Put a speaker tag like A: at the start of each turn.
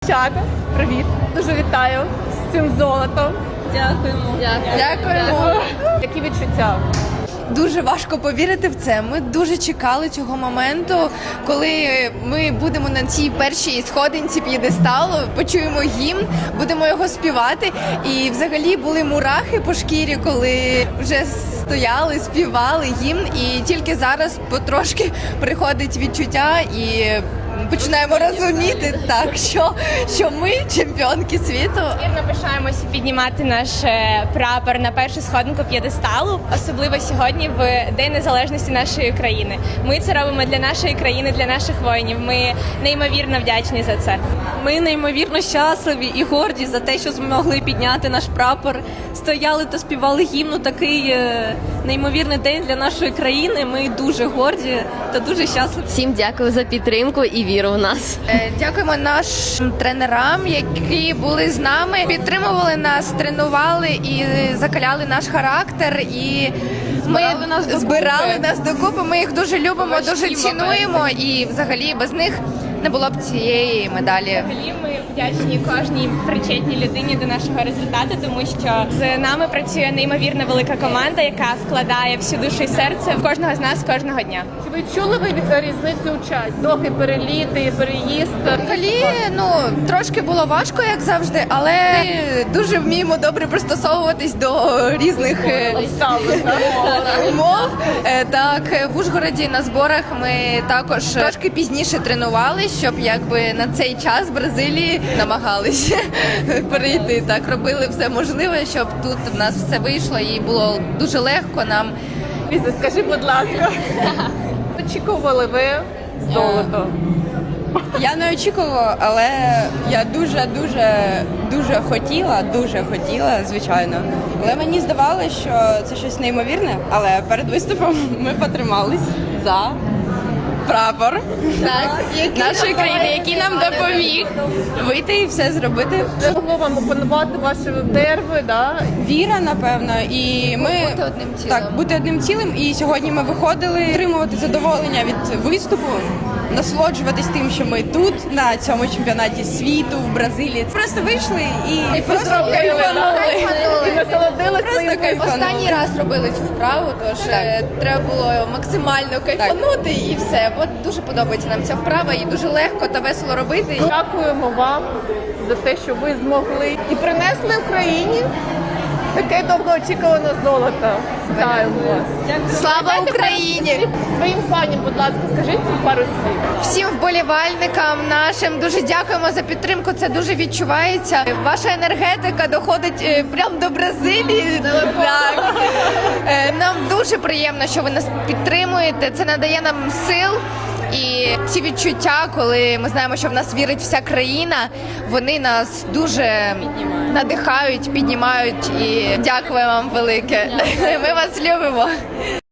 A: Дівчата, привіт! Дуже вітаю з цим золотом.
B: Дякуємо.
A: Дякуємо. Які відчуття?
C: Дуже важко повірити в це. Ми дуже чекали цього моменту, коли ми будемо на цій першій сходинці п'єдесталу, почуємо гімн, будемо його співати. І взагалі були мурахи по шкірі, коли вже стояли, співали гімн. І тільки зараз потрошки приходить відчуття і починаємо розуміти, так, що ми чемпіонки світу.
B: Вірно пишаємося піднімати наш прапор на першу сходинку п'єдесталу, особливо сьогодні, в День Незалежності нашої країни. Ми це робимо для нашої країни, для наших воїнів. Ми неймовірно вдячні за це.
D: Ми неймовірно щасливі і горді за те, що змогли підняти наш прапор, стояли та співали гімну. Такий неймовірний день для нашої країни. Ми дуже горді та дуже щасливі.
E: Всім дякую за підтримку і віру в нас.
C: Дякуємо нашим тренерам, які були з нами, підтримували нас, тренували і закаляли наш характер. І ми збирали нас докупи. Ми їх дуже любимо, дуже цінуємо. І взагалі без них не було б цієї медалі.
B: Взагалі ми вдячні кожній причетній людині до нашого результату, тому що з нами працює неймовірно велика команда, яка вкладає всю душу і серце в кожного з нас кожного дня.
A: Чи ви чули різницю у часі? Довгий переліт і переїзд?
C: Взагалі, трошки було важко, як завжди, але ми дуже вміємо добре пристосовуватись до різних умов. Так, в Ужгороді на зборах ми також трошки пізніше тренувалися, щоб якби на цей час в Бразилії намагалися перейти. Так, робили все можливе, щоб тут в нас все вийшло і було дуже легко нам.
A: Ліза, скажи, будь ласка, очікували ви золото?
F: Я не очікувала, але я дуже хотіла, звичайно. Але мені здавалося, що це щось неймовірне, але перед виступом ми потримались за прапор нашої країни, який нам допоміг вийти і все зробити.
A: Це могло вам опанувати ваші нерви, да?
F: Віра, напевно, і ми бути одним цілим. І сьогодні ми виходили отримувати задоволення від виступу, насолоджуватись тим, що ми тут на цьому чемпіонаті світу в Бразилії. Просто вийшли і просто кайфанули.
A: І насолодилися своїм виступом.
C: Останній раз робили цю вправу, тож треба було максимально кайфанути і все. От дуже подобається нам ця вправа, і дуже легко та весело робити.
A: Дякуємо вам за те, що ви змогли і принесли Україні таке довгоочікуване золото. Вітаємо вас.
C: Слава Україні!
A: Своїм фанам, будь ласка, скажіть пару слів.
C: Всім вболівальникам нашим дуже дякуємо за підтримку. Це дуже відчувається. Ваша енергетика доходить прямо до Бразилії. Так. Нам дуже приємно, що ви нас підтримуєте. Це надає нам сил. І ці відчуття, коли ми знаємо, що в нас вірить вся країна, вони нас дуже надихають, піднімають. І дякую вам велике. Ми вас любимо.